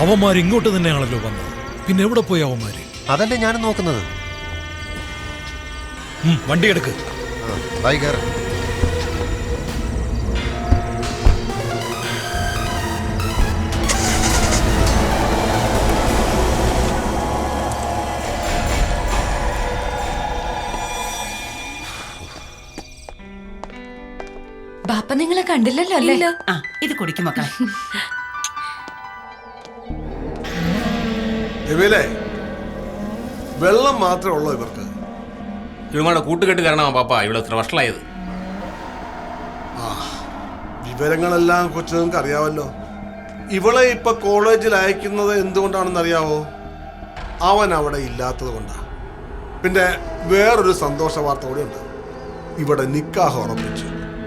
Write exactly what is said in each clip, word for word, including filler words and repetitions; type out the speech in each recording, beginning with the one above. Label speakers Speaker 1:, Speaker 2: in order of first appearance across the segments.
Speaker 1: അവന്മാർ ഇങ്ങോട്ട് തന്നെയാണല്ലോ വന്നത്. പിന്നെ എവിടെ പോയി അവന്മാര്?
Speaker 2: അതല്ലേ ഞാനും നോക്കുന്നത്.
Speaker 1: വണ്ടി എടുക്ക്.
Speaker 3: ബാപ്പ നിങ്ങളെ കണ്ടില്ലല്ലോ അല്ലേ?
Speaker 4: ആ ഇത് കുടിക്കും മക്കളെ.
Speaker 5: വെള്ളം മാത്രമേ ഉള്ളൂ ഇവർക്ക്.
Speaker 6: ഇവങ്ങളുടെ കൂട്ടുകെട്ട് കാരണമാ പാപ്പ ഇവിടെ ഇത്ര വഷളായത്.
Speaker 5: ആ വിവരങ്ങളെല്ലാം കൊച്ചു നിങ്ങൾക്ക് അറിയാമല്ലോ. ഇവളെ ഇപ്പൊ കോളേജിൽ അയക്കുന്നത് എന്തുകൊണ്ടാണെന്ന് അറിയാവോ? അവൻ അവിടെ ഇല്ലാത്തത് കൊണ്ടാ. പിന്നെ വേറൊരു സന്തോഷ വാർത്ത കൂടി ഉണ്ട്. ഇവിടെ നിക്കാഹ് ഉറപ്പിച്ചു.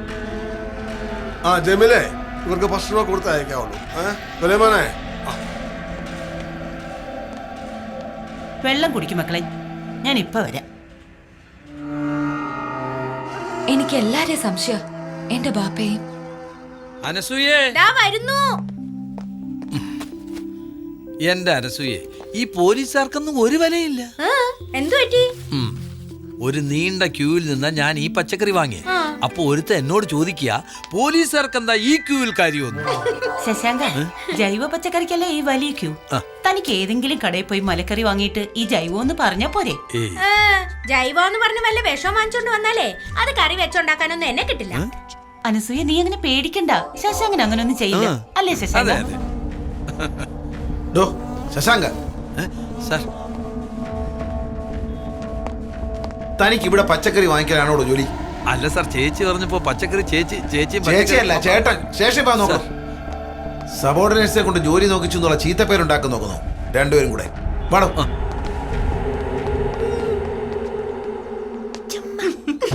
Speaker 5: ആ ജമീലേ, ഇവർക്ക് ഭക്ഷണം കൊടുത്ത് അയക്കാവുള്ളൂ. ഏഹ് മോനെ,
Speaker 4: വെള്ളം കുടിക്കും മക്കളെ, ഞാൻ ഇപ്പൊ വരാം.
Speaker 3: എനിക്ക് എല്ലാരെയും സംശയം, എന്റെ ബാപ്പയും.
Speaker 7: അനസൂയേ,
Speaker 3: വരുന്നു.
Speaker 7: എന്റെ അനസൂയെ, ഈ പോലീസുകാർക്കൊന്നും ഒരു വിലയില്ല.
Speaker 3: എന്തു പറ്റി?
Speaker 7: ഒരു നീണ്ട ക്യൂവിൽ നിന്നാ ഞാൻ ഈ പച്ചക്കറി വാങ്ങി. അപ്പൊ ഒരുത്ത എന്നോട് ചോദിക്കുക, പോലീസുകാർക്ക് എന്താ ഈ ക്യൂവിൽ കാര്യമൊന്നും?
Speaker 4: ശശാങ്ക, ജൈവ പച്ചക്കറിക്കല്ലേ ഈ വലിയ ക്യൂ. തനിക്ക് ഏതെങ്കിലും കടയിൽ പോയി മലക്കറി വാങ്ങിയിട്ട് ഈ ജൈവം എന്ന് പറഞ്ഞ പോരെ?
Speaker 8: ജൈവം എന്ന് പറഞ്ഞ വല്ല വിഷം വാങ്ങിച്ചോണ്ട് വന്നാലേ അത് കറി വെച്ചോണ്ടാക്കാനൊന്നും എന്നെ കിട്ടില്ല.
Speaker 4: അനസൂയ, നീ അങ്ങനെ പേടിക്കണ്ട. ശശാങ്കൻ അങ്ങനെ ഒന്നും ചെയ്യില്ല, അല്ലേ ശശാങ്ക?
Speaker 2: ശശാങ്ക
Speaker 7: സാർ,
Speaker 2: തനിക്ക് ഇവിടെ പച്ചക്കറി വാങ്ങിക്കാനാണോ ജോലി?
Speaker 7: അല്ല സാർ, ചേച്ചി പറഞ്ഞപ്പോ പച്ചക്കറി ചേച്ചി ചേച്ചി
Speaker 2: ചേച്ചിയല്ല ചേട്ടൻ. ശേഷം നോക്കണം. സബോർഡിനേറ്റ്സിനെ കൊണ്ട് ജോലി നോക്കിച്ചു എന്നുള്ള ചീത്തപ്പേരുണ്ടാക്കാൻ നോക്കുന്നു രണ്ടുപേരും കൂടെ. പാടും.